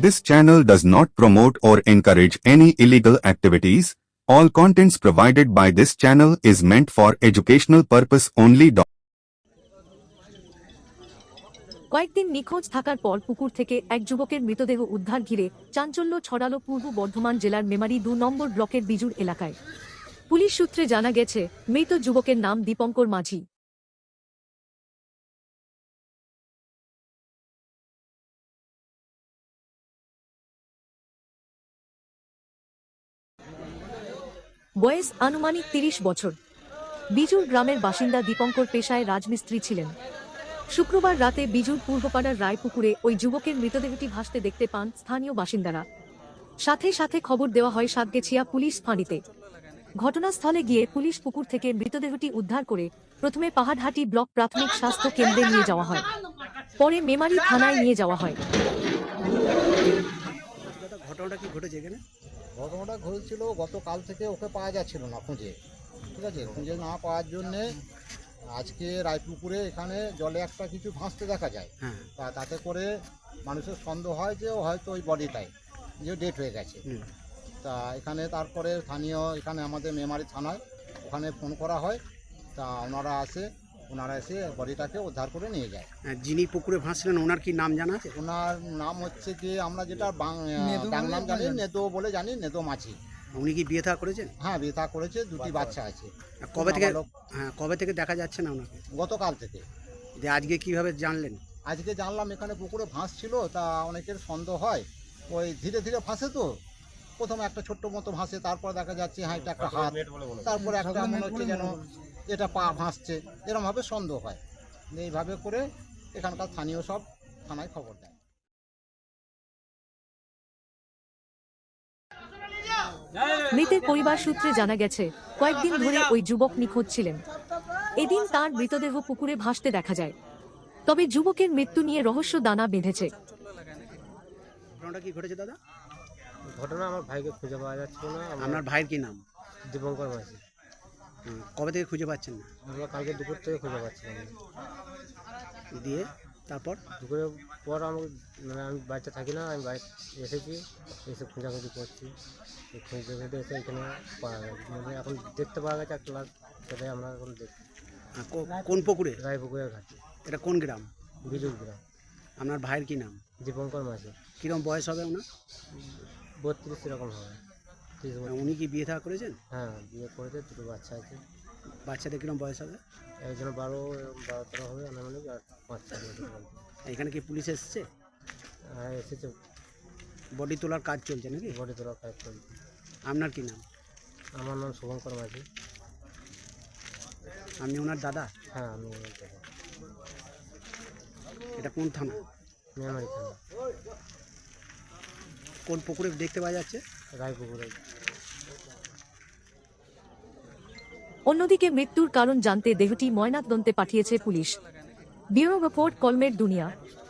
This channel does not promote or encourage any illegal activities. All contents provided by this channel is meant for educational purpose only. কয়েকদিন নিখোঁজ থাকার পর পুকুর থেকে এক যুবকের মৃতদেহ উদ্ধার ঘিরে চাঞ্চল্য ছড়ালো পূর্ব বর্ধমান জেলার মেমারি ২ নম্বর ব্লকের বিজুর এলাকায়। পুলিশ সূত্রে জানা গেছে, মৃত যুবকের নাম দীপঙ্কর মাঝি। বয়স আনুমানিক ৩০ বছর। বিজুর গ্রামের বাসিন্দা দীপঙ্কর পেশায় রাজমিস্ত্রি ছিলেন। শুক্রবার রাতে বিজুর পূর্বপাড়ার রায়পুকুরে ওই যুবকের মৃতদেহটি ভাসতে দেখতে পান স্থানীয় বাসিন্দারা। সাথে সাথে খবর দেওয়া হয় সাতগেছিয়া পুলিশ ফাঁড়িতে। ঘটনাস্থলে গিয়ে পুলিশ পুকুর থেকে মৃতদেহটি উদ্ধার করে প্রথমে পাহাড়হাটি ব্লক প্রাথমিক স্বাস্থ্য কেন্দ্রে নিয়ে যাওয়া হয়, পরে মেমারি থানায় নিয়ে যাওয়া হয়। ঘটনাটা কি ঘটেছে এখানে? ঘটনাটা ঘটেছিল গতকাল থেকে ওকে পাওয়া যাচ্ছিল না খুঁজে, ঠিক আছে। খুঁজে না পাওয়ার জন্যে আজকে রায়পুকুরে এখানে জলে একটা কিছু ভাসতে দেখা যায়। তাতে করে মানুষের সন্দেহ হয় যে হয়তো ওই বডিটাই যে ডেট হয়ে গেছে। তা এখানে তারপরে স্থানীয় এখানে আমাদের মেমারি থানায় ওখানে ফোন করা হয়। তা ওনারা এসে বডিটাকে উদ্ধার করে নিয়ে যায়। যিনি পুকুরে ভাসছিলেন ওনার কি নাম জানা আছে? ওনার নাম হচ্ছে কি, আমরা যেটা বাংলাম জানি, নেদো বলে জানি, নেদো মাঝি। উনি কি বিয়ে থা করেছেন? হ্যাঁ, বিয়ে থা করেছে, 2টি বাচ্চা আছে। কবে থেকে দেখা যাচ্ছে না ওনাকে? গতকাল থেকে। যে আজকে কিভাবে জানলেন? আজকে জানলাম এখানে পুকুরে ভাসছিল। তা অনেকের সন্দেহ হয়, ওই ধীরে ধীরে ভাসে তো, প্রথমে একটা ছোট্ট মতো ভাসে, তারপর দেখা যাচ্ছে হ্যাঁ এটা একটা হাত, তারপরে একটা মনে হচ্ছে যেন এটা পা ভাসছে, এরকমভাবে সন্দেহ হয়। এইভাবে করে এখানকার স্থানীয় সব থানায় খবর দেয়। মৃতের পরিবার সূত্রে জানা গেছে, কয়েকদিন ধরে ওই যুবক নিখোঁজ ছিলেন। এদিন তার মৃতদেহ পুকুরে ভাসতে দেখা যায়। তবে যুবকের মৃত্যু নিয়ে রহস্য দানা বেঁধেছে। ঘটনাটা কি ঘটেছে দাদা? ঘটনা আমার ভাইকে খুঁজে পাওয়া যাচ্ছিল না। আপনার ভাইয়ের কি নাম? দীপঙ্কর মাঝি। কবে থেকে খুঁজে পাচ্ছেন না? আমরা কালকে দুপুর থেকে খুঁজে পাচ্ছিলাম। দিয়ে তারপর দুপুরের পর আমাকে আমি বাড়িতে থাকি না, আমি বাড়ি এসেছি, এসে খোঁজাখুঁজি করছি। খুঁজে এসে এখানে পাওয়া গেছে, এখন দেখতে পাওয়া গেছে একটা লাশ, সেটাই আমরা এখন দেখছি। কোন পুকুরে? রায়পুকুরের ঘাটে। এটা কোন গ্রাম? বিজুর গ্রাম। আপনার ভাইয়ের কি নাম? দীপঙ্কর মাঝি। কীরকম বয়স হবে ওনার? 32 এরকম হবে। উনি কি বিয়ে থা করেছেন? হ্যাঁ, বিয়ে করেছে, 2টো বাচ্চা আছে। বাচ্চাদের কীরকম বয়স হবে? একজন 12-13 হবে, আনুমানিক, আর 5-6 বছর। এখানে কি পুলিশ এসছে? হ্যাঁ, এসেছে। বডি তোলার কাজ চলছে নাকি? বডি তোলার কাজ চলছে। আপনার কি নাম? আমার নাম শুভঙ্কর মাঝি। আপনি ওনার দাদা? হ্যাঁ, আমি ওনার দাদা। এটা কোন থানা? মেমারি থানা। কোন পুকুরে দেখতে পাওয়া যাচ্ছে? রায়পুকুরে। অন্যদিকে মৃত্যুর কারণ জানতে দেহটি ময়নাতদন্তে পাঠিয়েছে পুলিশ। ব্যুরো রিপোর্ট, কলমের দুনিয়া।